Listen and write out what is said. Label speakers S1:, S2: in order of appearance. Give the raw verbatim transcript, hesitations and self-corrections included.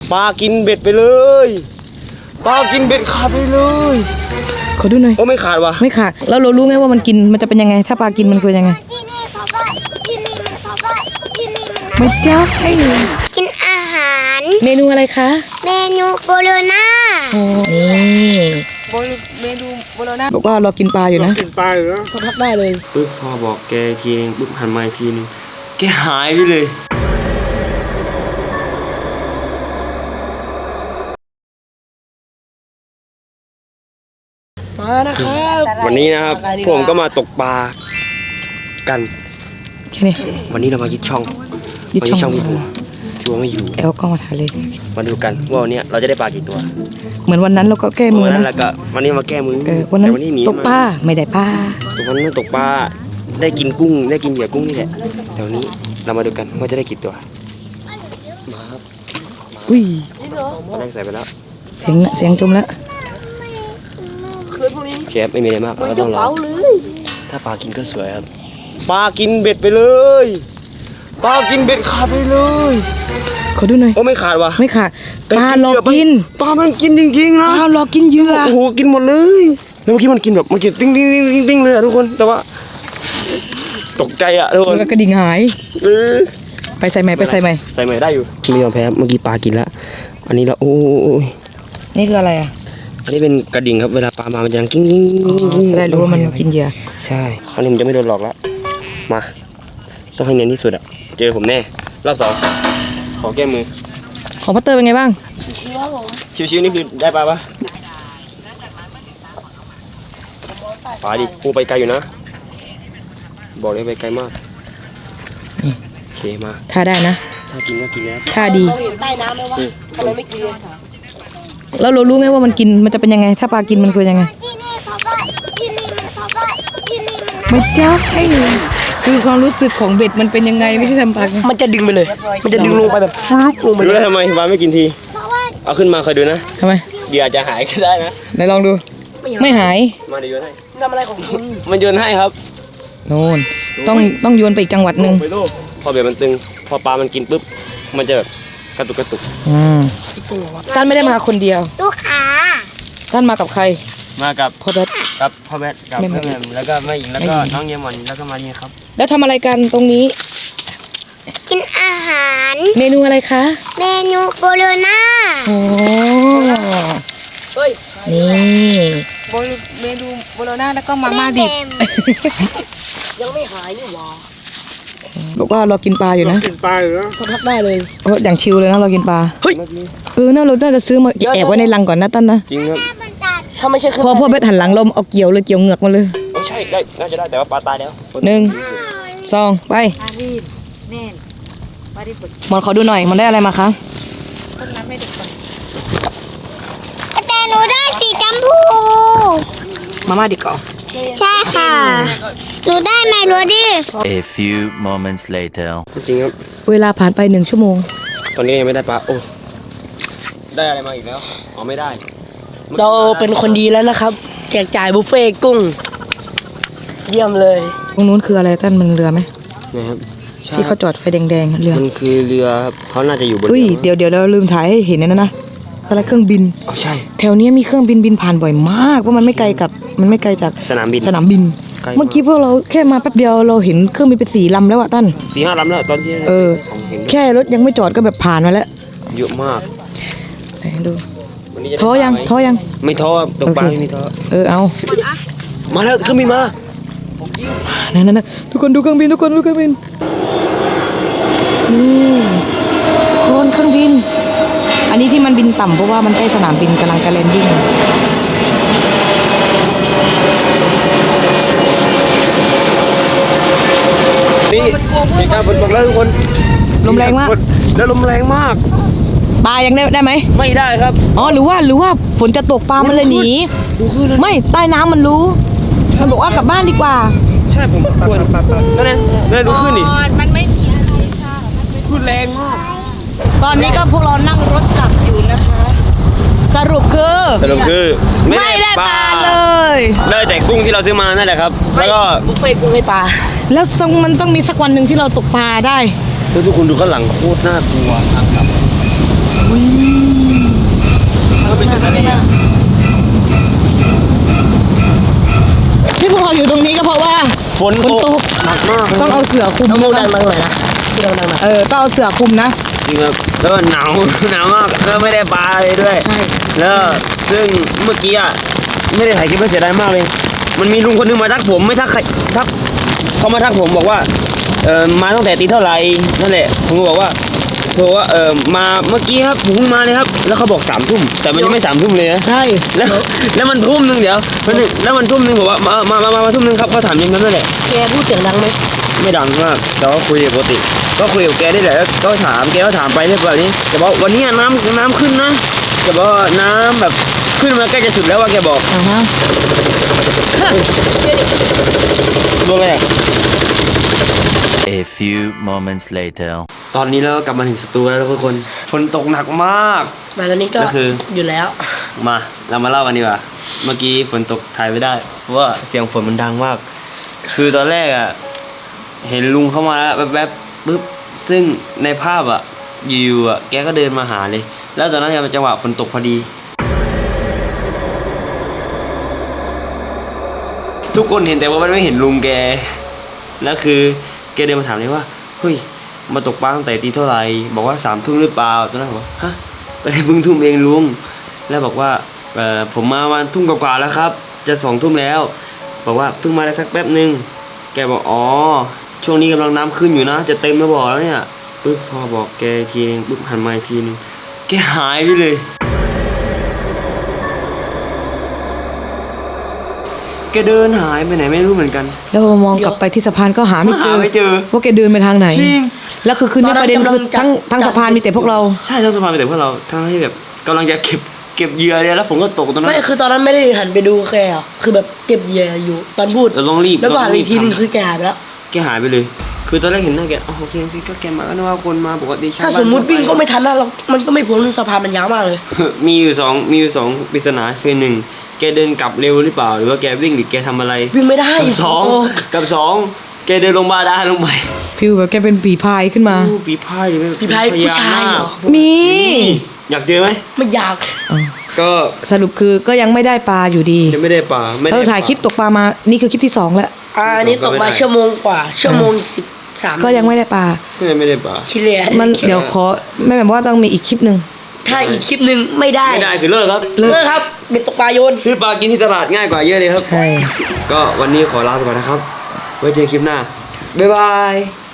S1: ปลากินเบ็ดไปเลยปลากินเบ็ดขาดไปเลย
S2: ขอดูหน่อย
S1: โอ้ไม่ขาดวะ
S2: ไม่ขาดแล้วเรารู้ไหมว่ามันกินมันจะเป็นยังไงถ้าปลากินมันคือยังไงไม่ใช่
S3: กินอาหาร
S2: เมนูอะไรคะ
S3: เมนูโบโลน่า
S2: โอ้นี่เมนูโบโลน่าบอกว่าเรากินปลาอยู่นะ
S1: กินปลาอยู่นะ
S2: พักได้เลย
S1: ปึ๊บพอบอกแกทีนึงปึ๊บหันมาอีกทีนึงแกหายไปเลย
S2: มานะครับ
S1: วันนี้นะครับผมก็มาตกปลากัน
S2: แค่นี้
S1: วันนี้เรามายึดช่องมายึดช่องพี่บัวพี่บัวไม่อยู่
S2: แอลก็มาถ่ายเลย
S1: มาดูกันว่าวันนี้เราจะได้ปลากี่ตัว
S2: เหมือนวันนั้นเราก็แก้มือ
S1: นะแล้วก็วันนี้มาแก้มือ
S2: วันนั้นตกปลาไม่ได้ปลา
S1: วันนั้นตกปลาได้กินกุ้งได้กินเหยื่อกุ้งนี่แหละแต่วันนี้เรามาดูกันว่าจะได้กี่ตัวมาครับ
S2: อุ้ย
S1: แรงใส่ไปแล้ว
S2: เสียงเสียงจมแล้ว
S1: เชฟไม่มีอะไรมากเราต้องรอถ้าปลากินก็สวยครับปลากินเบ็ดไปเลย ปลากินเบ็ดขาดไปเลย
S2: ขอดูหน่อย
S1: โอ้ไม่ขาดวะ
S2: ไม่ขาดปลาหลอกกิน
S1: ปลามันกินจริงๆนะ
S2: ปลาหลอกกินเหยื่อ
S1: โอ้โหกินหมดเลยแล้วเมื่อกี้มันกินแบบมันกินติ้งติ้งติ้งติ้งติ้งเลยอะทุกคนแต่ว่าตกใจอะทุกคน
S2: กระดิ่งหาย
S1: เออ
S2: ไปใส่ใหม่ไปใส่ใหม่
S1: ใส่ใหม่ได้อยู่ไม่ยอมแพ้เมื่อกี้ปลากินแล้วอันนี้เราโอ้ย
S2: นี่คืออะไรอะ
S1: อันนี้เป็นกระดิ่งครับเวลาปลามามันจะกิ้งกิ้งกิ้ง
S2: ได้รู้ว่ามันกินเหยื่อ
S1: ใช่คราวนี้ผมจะไม่โดนหลอกแล้วมาต้องให้เนียนที่สุดอะเจอผมแน่รอบสองขอแก้มือ
S2: ของพัตเตอร์เป็นไงบ้าง
S3: ชิวๆครับผม
S1: ชิวๆนี่คือได้ปลาปะปลาดิปูไปไกลอยู่นะบอกเลยไปไกลมากโอเคมา
S2: ถ้าได้นะ
S1: ถ้ากินก็กินแล้ว
S2: ถ้าดี
S3: เราเห็นใต้น้ำไหมวะทำไมไม่กินเลย
S2: แล้วเรารู้ไหมว่ามันกินมันจะเป็นยังไงถ้าปลากินมันคือยังไงไม่ใช่คือความรู้สึกของเบ็ดมันเป็นยังไงไม่ใช่ทำปลา
S3: มันจะดึงไปเลยมันจะดึงลงไปแบบฟลุ๊กลงไป
S1: เลยรู้ทำไมปลาไม่กินทีเอาขึ้นมาคอยดูนะ
S2: ทำไม
S1: เหยื่อจะหายก็ได้นะ
S2: ไหนลองดูไม่หาย
S1: มาเดี๋ยวโยนให้
S3: ทำอะไรของคุณ
S1: มันโยนให้ครับ
S2: โน่นต้องต้องโยนไปอีกจังหวัดหนึ่ง
S1: พอเบ็ดมันตึงพอปลามันกินปุ๊บมันจะแบบกระตุกกระตุก
S2: อืมท่านไม่ได้มาคนเดียว
S3: ลูกค้า
S2: ท่านมากับใคร
S1: มากับ
S2: พ่อแบท
S1: กับพ่อแบทกับแม่แม่แล้วก็แม่หญิงแล้วก็น้องเยมอนแล้วก็มาเรียครับ
S2: แล้วทำอะไรกันตรงนี้
S3: กินอาหาร
S2: เมนูอะไรคะ
S3: เมนูโบโลน่า
S2: โอ้
S3: เฮ้ย
S2: นี่เมนูโบโลน่าแล้วก็มาม่าดิบ
S3: ยังไม่หายนี่หว่า
S2: บอกว่าเรากินปลาอยู่นะ
S1: กินปลาอยู่นะ
S2: พักได้เลยเอออย่างชิลเลยนะเรากินปลาเฮ้ยเออน่าเราได้จะซื้อมาแอบไว้ในรังก่อนนะตั้นนะ
S1: จริงครับ
S3: ถ้าไม่ใช่
S2: พอพ่อเบ็ดหันหลังลมเอาเกี่ยวเลยเกี่ยวเหงือกมาเลย
S1: ไม่ใช่ได้น่าจะได้แต่ว่าปลาตายแล้ว
S2: หนึ่งสองไปหมอนขอดูหน่อยมันได้อะไรมาคะ
S3: แต่หนูได้สีชมพู
S2: มาม่าดิก่อ
S3: ใช่ค่ะหนูได้ไหมรู้ดิ
S4: A few moments later
S1: จริงครับ
S2: เวลาผ่านไปหนึ่งชั่วโมง
S1: ตอนนี้ยังไม่ได้ปลาโอ้ได้อะไรมาอีกแล้วอ๋อไม่ได้
S3: เราเป็นคนดีแล้วนะครับแจกจ่ายบุฟเฟ่กุ้งเยี่ยมเลย
S2: ตรงนู้นคืออะไรท่านมันเรือไหม
S1: นะครับ
S2: ที่เขาจอดไฟแดงๆเรือ
S1: มันคือเรือเขาน่าจะอยู่บน
S2: เรือเดี๋ยวเดี๋ยวเราลืมถ่ายให้เห็นนะนะอะไรเครื่องบิน
S1: อ๋อใช่
S2: แถวนี้มีเครื่องบินบินผ่านบ่อยมากเพราะมันไม่ไกลกับมันไม่ไกลจาก
S1: สนามบิน
S2: สนามบินเมื่อกี้พวกเราแค่มาแป๊บเดียวเราเห็นเครื่องบินไปสี่ลำแล้วอะตั้น
S1: สี่ห้าลำแล้วตอนที่
S2: เออแค่รถยังไม่จอดก็แบบผ่านมาแล้ว
S1: เยอะมาก
S2: ไหนดูท้อยังท้อยัง
S1: ไม่ท้อตกปลาไม่ท้อ
S2: เออเอา
S1: มาแล้วเครื่องบินมา
S2: นั่นนั่นทุกคนดูเครื่องบินทุกคนดูเครื่องบินนี่โคลนเครื่องบินอันนี้ที่มันบินต่ำเพราะว่ามันใกล้สนามบินกำลังจะแลนดิ้ง
S1: นี่เหตุการณ์ฝนตกแล้วทุกคน
S2: ลมแรงมาก
S1: แล้วลมแรงมาก
S2: ปลายังได้ได้ไหม
S1: ไม่ได้ครับ
S2: อ๋อหรือว่าหรือว่าฝนจะตกปลามันเลยหนีไม่ใต้น้ำมันรู้มันบอกว่ากลับบ้านดีกว่า
S1: ใช่ผมกลัวนั่นไงนั่นดูขึ้นนี่
S3: มันไม่มีอะไรค่ะ
S1: ขึ้นแรงมาก
S2: ตอนนี้ก็พวกเรานั่งรถกลับอยู่นะคะสรุปคือ
S1: สรุปคือ
S2: ไม่ได้ปลาเลย
S1: ได้แต่กุ้งที่เราซื้อมานั่นแหละครับแล้วก็
S3: บุฟเฟ่กุ้งให้ปลา
S2: แล้วมันต้องมีสักวันหนึ่งที่เราตกปลาได้
S1: แล้วทุกคนดูข้างหลังโคตรน่ากลัวครับ
S2: อุ้ย
S1: ฝน
S2: ฝน
S1: ต
S2: ต
S1: ก
S2: ก
S1: หนักมาก
S2: ต้องเอาเสือคลุม
S3: ต้องพูด
S2: นะ
S3: ดังๆหน่อยนะพูดดังๆหน่อย
S2: เออต้องเอาเสือคลุมนะ
S1: จริงครับแล้วก็หนาว หนาวมากแล้วไม่ได้ปลาเลยด้วย
S2: ใช่
S1: แล้วซึ่งเมื่อกี้อ่ะไม่ได้ถ่ายคลิปเสียดายมากเลย มันมีลุงคนนึงมาทักผมไม่ทักใครทักเขามาทักผมบอกว่าเออมาตั้งแต่ตีเท่าไหร่นั่นแหละผมก็บอกว่าบอกว่าเออมาเมื่อกี้ครับผมเพิ่งมาเลยครับ แล้วเขาบอกสามทุ่มแต่มันยังไม่สามทุ่มเลยนะ
S2: ใช่
S1: แล้วแล้วมันทุ่มหนึ่งเดี๋ยวมันหนึ่งแล้วมันทุ่มหนึ่งบอกว่ามามามามามาทุ่มหนึ่งครับเขาถามอยังนั้นนั่นแหละ
S3: แกพูดเสียงดังไหม
S1: ไม่ดังมากแต่ว่าคุยปกติ ก็คุยกับแกได้แหละแล้วก็ถามแกก็ถามไปเรื่อยแบบนี้แต่ว่าวันนี้น้ำน้ำขึ้นนะแต่ว่าน้ำแบบขึ้นมาใกล้จะสุดแล้วว่าแกบอก
S2: อ่าฮะ
S1: โดนอะไรอ่ะ
S4: A few moments later.
S1: ตอนนี้เราก็กลับมาถึงสตูแล้วทุกคนฝนตกหนักมาก
S3: แต่ตอนนี้ก็
S1: ก็คือ
S3: อยู่แล้ว
S1: มาเรามาเล่ากันดีกว่าเมื่อกี้ฝนตกถ่ายไม่ได้เพราะว่าเสียงฝนมันดังมาก คือตอนแรกอ่ะเห็นลุงเข้ามาแล้วแวบๆปุ๊บซึ่งในภาพอ่ะอยู่ๆอ่ะแกก็เดินมาหาเลย แล้วตอนนั้นเป็นจังหวะฝนตกพอดี ทุกคนเห็นแต่ว่ามันไม่เห็นลุงแกแล้วคือแกเดินมาถามเลยว่าเฮ้ยมาตกปลาตั้งแต่ตีเท่าไหร่บอกว่าสามทุ่มหรือเปล่าตอนนั้นผมว่าฮะตอนนี้เพิ่งทุ่มเองลุงแล้วบอกว่าเออผมมาวันทุ่มกว่าๆแล้วครับ จะสองทุ่มแล้ว บอกว่าเพิ่งมาได้สักแป๊บนึงแกบอกอ๋อช่วงนี้กำลังน้ำขึ้นอยู่นะ จะเต็มแล้วบอกแล้วเนี่ยปึ๊บพอบอกแกอีกทีนึงปึ๊บหันมาอีกทีนึงแกหายไปเลยแกเดินหายไปไหนไม่รู้เหมือนกัน
S2: แล้วพอมองกลับไปที่สะพานก็หาไม่เจอ
S1: หาไม่เจอ
S2: ว่าแกเดินไปทางไหน
S1: จริง
S2: แล้วคือคืนนี้ประเด็นคือทั้งทั้งสะพานมีแต่พวกเรา
S1: ใช่ทั้งสะพานไปแต่พวกเราทั้งที่แบบกำลังจะเก็บเก็บเหยื่อเลยแล้วฝนก็ตกตอนนั้น
S3: ไม่คือตอนนั้นไม่ได้หันไปดูแกอ่ะคือแบบเก็บเหยื่ออยู่ตอนพูด
S1: เราต้องรีบ
S3: แล้วก็หันไป
S1: เราต้
S3: อี
S1: ง
S3: กทีนึง
S1: ทำ
S3: คือแกหายไปแล้ว
S1: แกหายไปเลย คือตอนแรกเห็นหน้าแกอ๋อโอเคโอเคก็แกมาก็นึกว่าคนมาปกติชาว
S3: ถ้า
S1: บ้าน
S3: สมมุติวิ่งก็ไม่ทันนะเรามันก็ไม่พ้นสะพานมันยาวมากเลย
S1: มีอยู่สองมีอยู่สองปริศนาคือหนึ่งแกเดินกลับเร็วหรือเปล่าหรือว่าแกวิ่งหรือแกทำอะไร
S3: วิ่งไม่ได้
S1: กับสอง
S3: โ
S1: กับสองแกเดินลงบาดาลลงไป
S2: ฟิวแบบแกเป็นผีพายขึ้นมา
S1: อู้ปีพายหรือไม่
S3: ผีพายผู้ชายเหรอ
S2: มี
S1: อยากเจอไหม
S3: ไม่อยาก
S1: ก็
S2: สรุปคือก็ยังไม่ได้ปลาอยู่ดี
S1: ยังไม่ได้ป่าไม่ได้
S2: เราถ่ายคลิปตกปลามานี่คือคลิปที่สองแล้ว
S3: อ่าอันนี้ตกมาชั่วโมงกว่าชั่วโมงสิบสาม
S2: ก็ยังไม่ได้ปลา
S1: ก็ยังไม่ได้ป่า
S3: คิดเลย
S2: มันเดี๋ยวขอแม่แบบว่าต้องมีอีกคลิปหนึ่ง
S3: ถ้าอีกคลิปหนึ่งไม่ได้
S1: ไม่ได้คือเลิกครับ
S2: เลิก
S3: เลิกครับเบ็ดตกปลาโยน
S1: ซื้อปลากินที่ตลาดง่ายกว่าเยอะเลยครับ
S2: ใช่
S1: ก็วันนี้ขอลาไปก่อนนะครับ ไว้เจอคลิปหน้า บ๊ายบาย